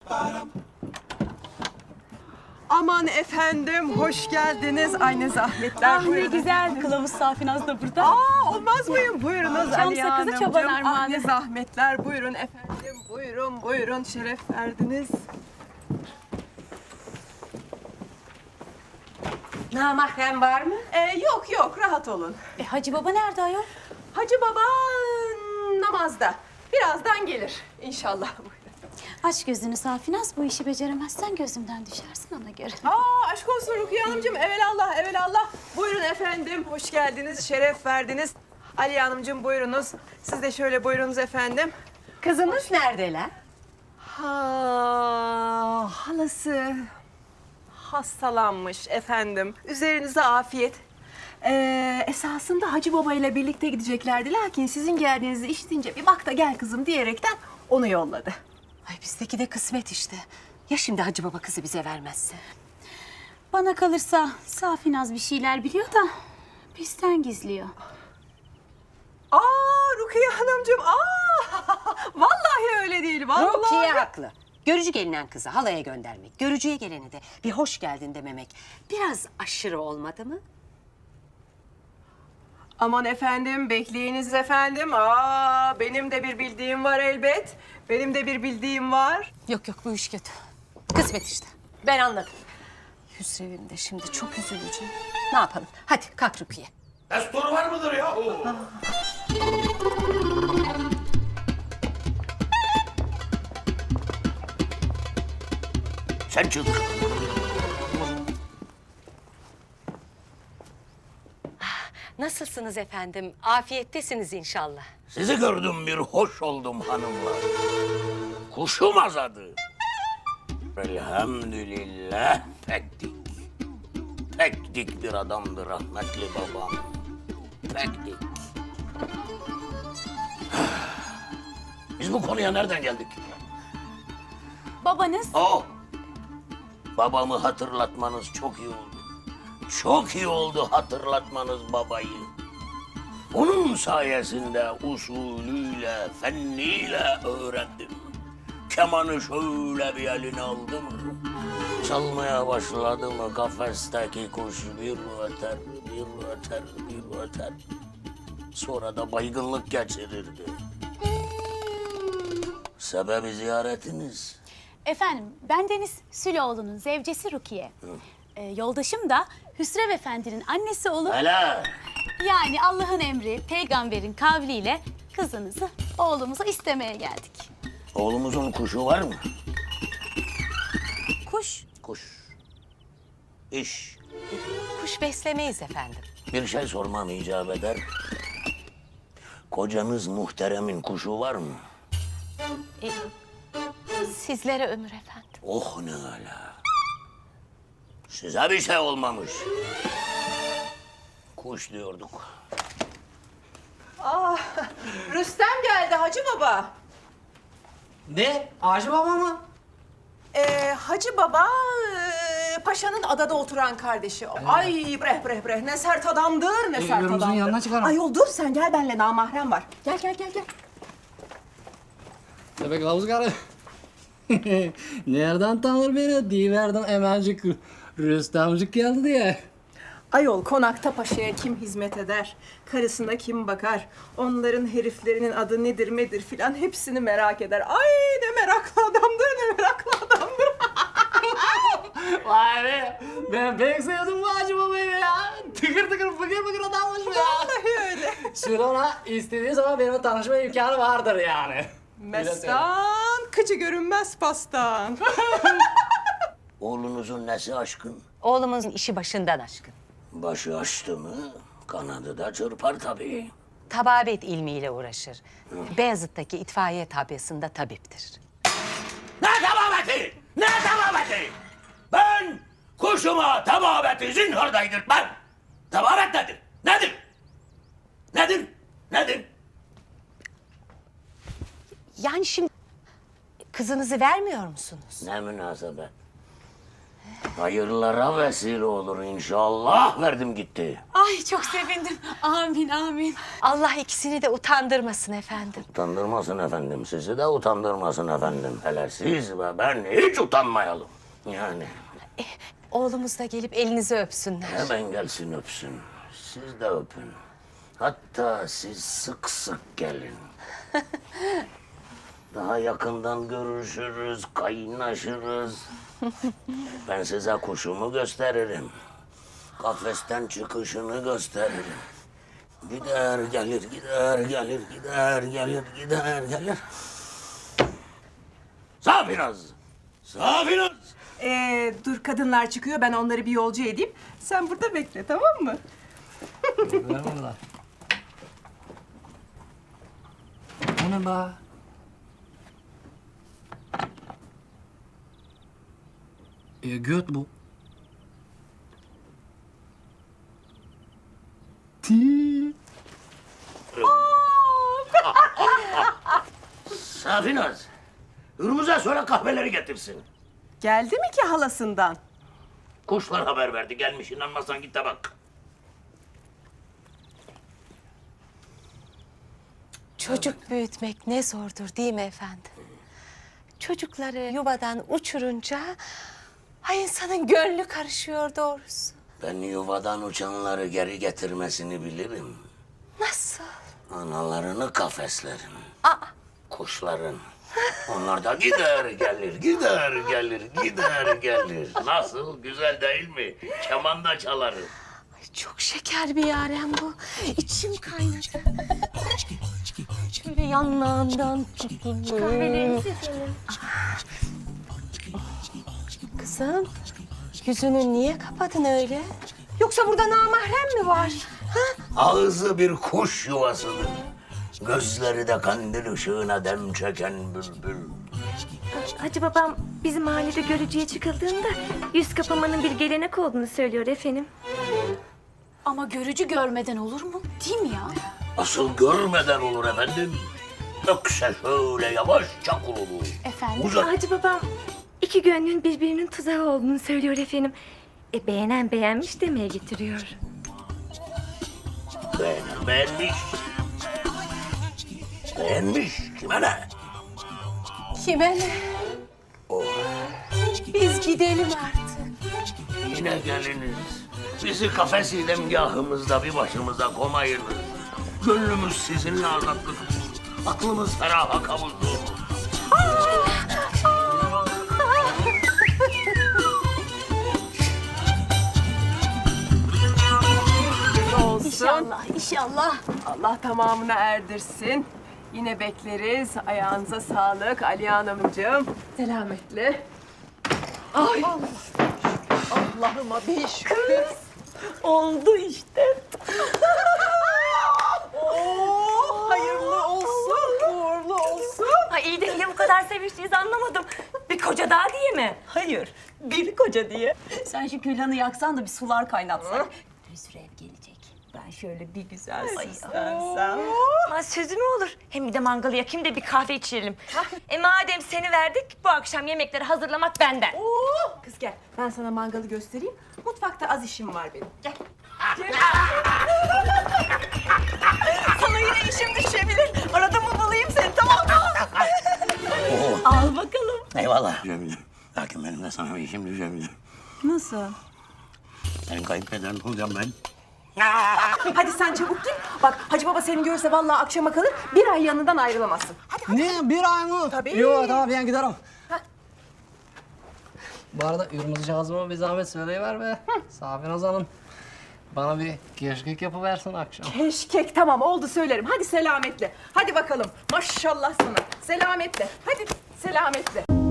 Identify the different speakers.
Speaker 1: Aman efendim, hoş geldiniz. Ay ne zahmetler.
Speaker 2: Ah ne güzel. Kılavuz Safinaz da burada.
Speaker 1: Olmaz mıyım? Buyurunuz
Speaker 2: Çam
Speaker 1: Aliye
Speaker 2: sakızı
Speaker 1: Hanımcığım.
Speaker 2: çoban
Speaker 1: Ah
Speaker 2: armağanı.
Speaker 1: ne zahmetler. Buyurun efendim. Buyurun, buyurun. Şeref verdiniz.
Speaker 3: Namahrem var mı?
Speaker 1: Yok yok, rahat olun.
Speaker 2: Hacı baba nerede ayol?
Speaker 1: Hacı baba namazda. Birazdan gelir inşallah.
Speaker 2: Aç gözünü Safinaz. Bu işi beceremezsen gözümden düşersin ona göre.
Speaker 1: Aşk olsun Rukiye Hanımcığım. Evelallah, evelallah. Buyurun efendim. Hoş geldiniz, şeref verdiniz. Aliye Hanımcığım buyurunuz. Siz de şöyle buyurunuz efendim.
Speaker 3: Kızımız neredeler?
Speaker 1: Halası hastalanmış efendim. Üzerinize afiyet. Esasında Hacı Baba ile birlikte gideceklerdi. Lakin sizin geldiğinizi işitince bir bak da gel kızım diyerekten onu yolladı.
Speaker 3: Ay bizdeki de kısmet işte. Ya şimdi Hacı Baba kızı bize vermezse?
Speaker 2: Bana kalırsa Safinaz bir şeyler biliyor da bizden gizliyor.
Speaker 1: Rukiye Hanımcığım, vallahi öyle değil, vallahi.
Speaker 3: Rukiye haklı. Görücü gelinen kızı halaya göndermek, görücüye gelene de bir hoş geldin dememek biraz aşırı olmadı mı?
Speaker 1: Aman efendim, bekleyiniz efendim. Benim de bir bildiğim var elbet. Benim de bir bildiğim var.
Speaker 3: Yok yok bu iş kötü. Kısmet işte. Ben anladım. Hüsrev'im de şimdi çok üzülecek. Ne yapalım? Hadi kalk Rukiye.
Speaker 4: Destur var mıdır ya? Sen çık.
Speaker 3: Nasılsınız efendim? Afiyettesiniz inşallah.
Speaker 4: Sizi gördüm bir hoş oldum hanımlar. Kuşum azadı. Elhamdülillah pek dik. Pek dik bir adamdı rahmetli babam. Pek dik. Biz bu konuya nereden geldik?
Speaker 2: Babanız
Speaker 4: Babamı hatırlatmanız çok iyi oldu. Çok iyi oldu hatırlatmanız babayı. Onun sayesinde usulüyle, fenniyle öğrendim. Kemanı şöyle bir eline aldı mı, çalmaya başladı mı kafesteki kuş bir öter, bir öter, bir öter. Sonra da baygınlık geçirirdi. Sebebi ziyaretiniz.
Speaker 2: Efendim ben Deniz Süloğlu'nun zevcesi Rukiye. Yoldaşım da Hüsrev Efendi'nin annesi olup...
Speaker 4: Hele.
Speaker 2: Yani Allah'ın emri, peygamberin kavliyle kızınızı oğlumuza istemeye geldik.
Speaker 4: Oğlumuzun kuşu var mı?
Speaker 2: Kuş.
Speaker 4: Kuş. İş.
Speaker 3: Kuş beslemeyiz efendim.
Speaker 4: Bir şey sormam icap eder. Kocanız muhteremin kuşu var mı?
Speaker 3: Sizlere ömür efendim.
Speaker 4: Oh ne ala. Size bir şey olmamış. Kuş diyorduk.
Speaker 1: Rüstem geldi Hacı Baba.
Speaker 5: Ne? Hacı Baba mı?
Speaker 1: Hacı Baba, paşanın adada oturan kardeşi. Ay bre ne sert adamdır, ne sert
Speaker 5: Yolumuzun
Speaker 1: adamdır.
Speaker 5: yanına çıkalım.
Speaker 1: Ayol dur sen gel benimle namahrem var. Gel.
Speaker 5: Bebek kılavuz karı. Nereden tanır beni? Diyiverdim hemencik Rüstemcik geldi diye.
Speaker 1: Ayol konakta paşaya kim hizmet eder? Karısına kim bakar? Onların heriflerinin adı nedir medir filan hepsini merak eder. Ay ne meraklı adamdır, ne meraklı adamdır.
Speaker 5: Vay be! Ben pek sevdim bu Hacı Baba'yı ya. Tıkır tıkır fıkır fıkır adammış ya.
Speaker 1: Vallahi öyle.
Speaker 5: Şöyle ona istediği zaman benimle tanışma imkanı vardır yani.
Speaker 1: Mestan, kıcı görünmez pastan.
Speaker 4: Oğlunuzun nesi aşkın?
Speaker 3: Oğlumuzun işi başından aşkın.
Speaker 4: Başı açtı mı kanadı da çırpar tabii.
Speaker 3: Tababet ilmiyle uğraşır. Beyazıt'taki itfaiye tabyasında tabiptir.
Speaker 4: Ne tababeti? Ne tababeti? Ben kuşuma tababeti zinhar daydırtmam. Tababet nedir? Nedir? Nedir? Nedir?
Speaker 3: Yani şimdi kızınızı vermiyor musunuz?
Speaker 4: Ne münasebet. Hayırlara vesile olur inşallah. Verdim gitti.
Speaker 2: Ay çok sevindim. Amin amin.
Speaker 3: Allah ikisini de utandırmasın efendim.
Speaker 4: Utandırmasın efendim. Sizi de utandırmasın efendim. Hele siz ve ben hiç utanmayalım. Yani
Speaker 3: Oğlumuz da gelip elinizi öpsünler.
Speaker 4: hemen gelsin öpsün. Siz de öpün. Hatta siz sık sık gelin. Daha yakından görüşürüz, kaynaşırız. Ben size kuşumu gösteririm. Kafesten çıkışını gösteririm. Gider gelir, gider gelir, gider gelir, gider gelir. Safinaz! Safinaz!
Speaker 1: Dur kadınlar çıkıyor, ben onları bir yolcu edeyim. Sen burada bekle, tamam mı?
Speaker 5: Ver bunlar. O ne be? Göt bu. Ti.
Speaker 4: Safinaz! Hürmüz'e söyle kahveleri getirsin.
Speaker 1: Geldi mi ki halasından?
Speaker 4: Kuşlar haber verdi. Gelmiş, inanmazsan git de bak.
Speaker 3: Çocuk büyütmek ne zordur değil mi efendim? Çocukları yuvadan uçurunca ay insanın gönlü karışıyor doğrusu.
Speaker 4: Ben yuvadan uçanları geri getirmesini bilirim.
Speaker 3: Nasıl?
Speaker 4: Analarını kafeslerim. Kuşların. Onlar da gider gelir, gider gelir, gider gelir. Nasıl? Güzel değil mi? Keman da çalarım.
Speaker 3: Ay çok şeker bir yaren bu. İçim kaynadı. Şöyle yanlarından tutun. Kızım, yüzünü niye kapadın öyle? Yoksa burada namahrem mi var?
Speaker 4: Ağzı bir kuş yuvasıdır. Gözleri de kandil ışığına dem çeken bülbül.
Speaker 6: Hacı babam bizim mahallede görücüye çıkıldığında yüz kapamanın bir gelenek olduğunu söylüyor efendim.
Speaker 2: Ama görücü görmeden olur mu? Değil mi ya?
Speaker 4: Asıl görmeden olur efendim. Ökse şöyle yavaşça kurulur.
Speaker 2: Efendim?
Speaker 4: Uzak.
Speaker 6: Hacı babam iki gönlün birbirinin tuzağı olduğunu söylüyor efendim. Beğenen beğenmiş demeye getiriyor.
Speaker 4: Beğenmiş. Beğenmiş. Kime ne?
Speaker 3: Kime ne? Biz gidelim artık.
Speaker 4: Yine geliniz. Bizi kafes idemgahımızda bir başımıza komayınız. Gönlümüz sizinle azatlık bulur. Aklımız feraha kavuşur.
Speaker 1: Olsun.
Speaker 2: İnşallah, inşallah.
Speaker 1: Allah tamamına erdirsin. Yine bekleriz. Ayağınıza sağlık Ali Hanımcığım. Selametle. Ay. Allah'ıma bir şükür. Oldu işte. Oo, hayırlı olsun, uğurlu olsun.
Speaker 6: Ay iyi de niye bu kadar seviştiğinizi anlamadım. Bir koca daha diye mi?
Speaker 7: Hayır, bir koca diye. Sen şu külhanı yaksan da bir sular kaynatsak. Hüsrev gelecek. Ben şöyle bir güzel süslensem.
Speaker 6: Ama sözü mü olur? Hem bir de mangalı yakayım da bir kahve içelim. Madem seni verdik bu akşam yemekleri hazırlamak benden.
Speaker 1: Oo, kız gel. Ben sana mangalı göstereyim. Mutfakta az işim var benim. Gel.
Speaker 7: Sana yine işim düşebilir. Arada mı bulayım seni, tamam mı? Al bakalım.
Speaker 4: Eyvallah. Cemile. Lakin benim de sana bir işim düşebilir.
Speaker 7: Nasıl?
Speaker 4: Senin kayınpederin olacağım ben.
Speaker 1: Hadi sen çabuk git. Bak Hacı Baba seni görse vallahi akşama kalır. Bir ay yanından ayrılamazsın.
Speaker 5: Ne? Bir ay mı?
Speaker 1: Tabii.
Speaker 5: Yok tamam ben giderim. Bu arada Yurmuzcağızıma bir zahmet söyleyiver be. Safinaz Hanım. Bana bir keşkek yapıversin akşam.
Speaker 1: Keşkek tamam oldu söylerim. Hadi selametle. Hadi bakalım. Maşallah sana. Selametle. Hadi selametle.